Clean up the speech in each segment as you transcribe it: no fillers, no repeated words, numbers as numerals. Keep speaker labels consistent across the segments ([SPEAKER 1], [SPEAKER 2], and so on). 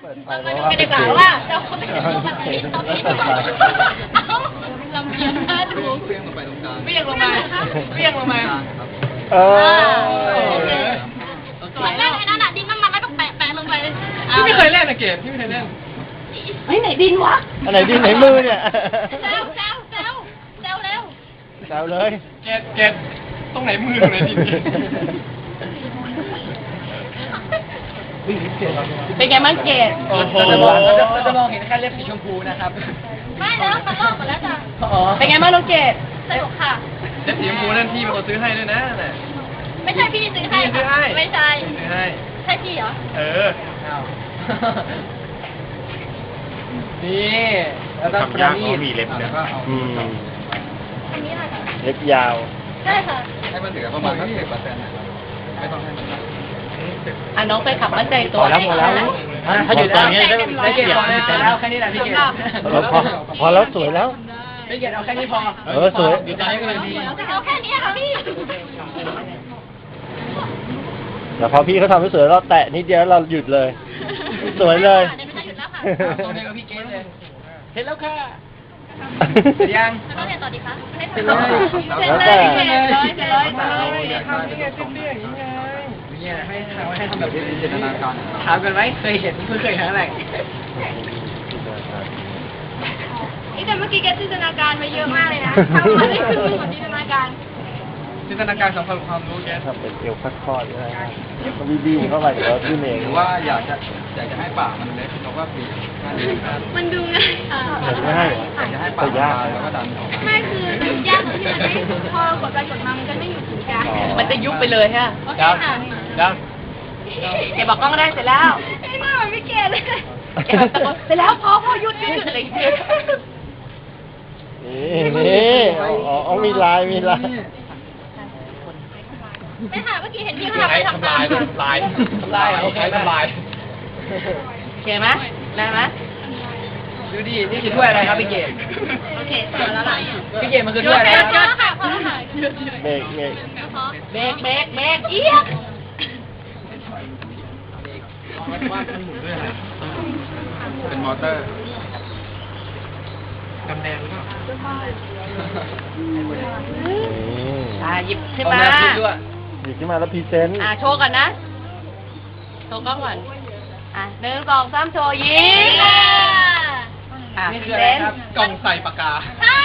[SPEAKER 1] มาดูกันดีกว่าว่าเจ้าคนเป็นยังไงลำเอียงน่าดูเวียงลงไปตรงกลางเวียงลงมา
[SPEAKER 2] เออ
[SPEAKER 1] สวยมากเลยนะดินน้ำมันแล้วก็แปะลงไป
[SPEAKER 3] พี่ไม่เคยเล่นนะเกดพี่ไม่เคยเล่น
[SPEAKER 1] เฮ้ยไหนดินวะ
[SPEAKER 2] อันไหนดินไหนมือเนี่ย
[SPEAKER 1] แซวเร็วแซว
[SPEAKER 2] เลย
[SPEAKER 3] เกดตรงไหนมือตรงไหนดิน
[SPEAKER 4] เป็นไงบ้างเกด
[SPEAKER 3] เราจะมองเห็นแค่เล็บสีชมพูนะครับ
[SPEAKER 1] ไม่แล้วมันลอกหมดแล้วจ้ะ
[SPEAKER 4] เป็นไงบ้างน้องเกด
[SPEAKER 1] สนุกค่ะ
[SPEAKER 3] เล็บสีชมพูนั่นพี่เป็นคนซื้อให้ด้วยนะน่ะ
[SPEAKER 1] ไม่ใช่พี่ซื้อให้ไม่ใช่
[SPEAKER 3] ซื้อให้
[SPEAKER 1] ใช่พี่เหรอ
[SPEAKER 3] นี่แล้วก็ปราณีตมีเล็บเนี่ย
[SPEAKER 1] อันนี้อะไรคะ
[SPEAKER 2] เล็บยาว
[SPEAKER 1] ใช่ค่ะ
[SPEAKER 3] ให้มันเหลือประมาณสัก10%นะครับไม่ต้องให้มันมาก
[SPEAKER 4] น้องไปขับมั่นใจตัว
[SPEAKER 2] พอแล้ว
[SPEAKER 3] ถ้าอยู่ตรงนี้ได้เกียรติแล้วแค่นี้แหละพี่เกียรติ
[SPEAKER 2] พอแล้วสวยแล้ว
[SPEAKER 3] พี่เกียรติเอาแค่นี้พอ
[SPEAKER 2] สวย
[SPEAKER 3] อยู่ตรงนี้ก็เลยดี
[SPEAKER 1] เอาแค่นี้ค่ะพี่
[SPEAKER 2] แต่พอพี่เขาทำให้สวยเราแตะนิดเดียวเราหยุดเลยสวยเลย
[SPEAKER 3] ตรงนี้ก็พี่เกรซเลยเห็นแล้วค่ะ
[SPEAKER 1] เสร็จยังต้องเรียนต่อดีคะเสร็จเลย
[SPEAKER 3] เนี่ยให้ทำแบบจินตนาการถามกันไหมเคยเห็นเคยครั้งแรก
[SPEAKER 1] นี่แต่เมื่อกี้แกจินตนาการไปเยอะมากเลยนะทำมาได้ครึ่งหนึ่งของจินตนาการ
[SPEAKER 3] สำคัญความรู้แก
[SPEAKER 2] ทำเป็นเอวคอดๆเลยก็บี้เข้าไปเดี๋ยวขึ้นเอง
[SPEAKER 3] หรือว่าอยากจะให้ปากมันเล็กเราก็ปี
[SPEAKER 1] มันดูง่าย
[SPEAKER 2] อยากจะให้ปาก
[SPEAKER 3] ยากแล้วก็ดันออกมา
[SPEAKER 1] ไม่คือยากตรงที่มันไม่พอกดไปกดมามันก็ไม่หยุดถึงกัน
[SPEAKER 4] มันจะยุบไปเลยฮะ
[SPEAKER 1] โอเคค่ะ
[SPEAKER 4] เก็บบอกกล้องได้เสร็จแล้ว
[SPEAKER 1] ไอ้หน้ามันไม่เกลียดเลย
[SPEAKER 4] เสร็จแล้วพอหยุดอะไรอย่างเงี้ย
[SPEAKER 2] นี่อ๋อมีลาย
[SPEAKER 1] ไม่ค่ะเมื่อกี้เห็นพี่เขาทำลาย
[SPEAKER 3] โอเคทำลาย
[SPEAKER 4] โอเคไหมได้ไหม
[SPEAKER 3] ดูดินี่คือถ้วยอะไรครับพี่เกด
[SPEAKER 1] โอเคพอแล้วล่ะ
[SPEAKER 3] พี่เกดมันคือถ้วยอะไรครับ
[SPEAKER 1] พอแล้วค่ะพอแล้วค่ะ
[SPEAKER 2] เบรก
[SPEAKER 4] เอียด
[SPEAKER 3] เป็นมอเตอร์กำแดงก็
[SPEAKER 4] หยิบขึ้นมา
[SPEAKER 2] หยิบขึ้นมาแล้วพรีเซนต์
[SPEAKER 4] โชว์ก่อนนะโชว์กล้องก่อน1 2 3โชว์ยิง
[SPEAKER 3] นี่คืออะไรครับกล่องใส่ปากกา
[SPEAKER 1] ใช่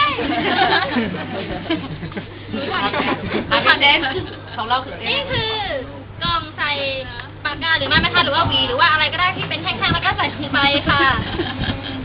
[SPEAKER 4] พรีเซนต์ของเรา
[SPEAKER 1] นี่คือกล่องใส่ปากกาหรือไม่คะหรือว่าหวีหรือว่าอะไรก็ได้ที่เป็นแท่งๆแล้วก็ใส่ลงไปค่ะ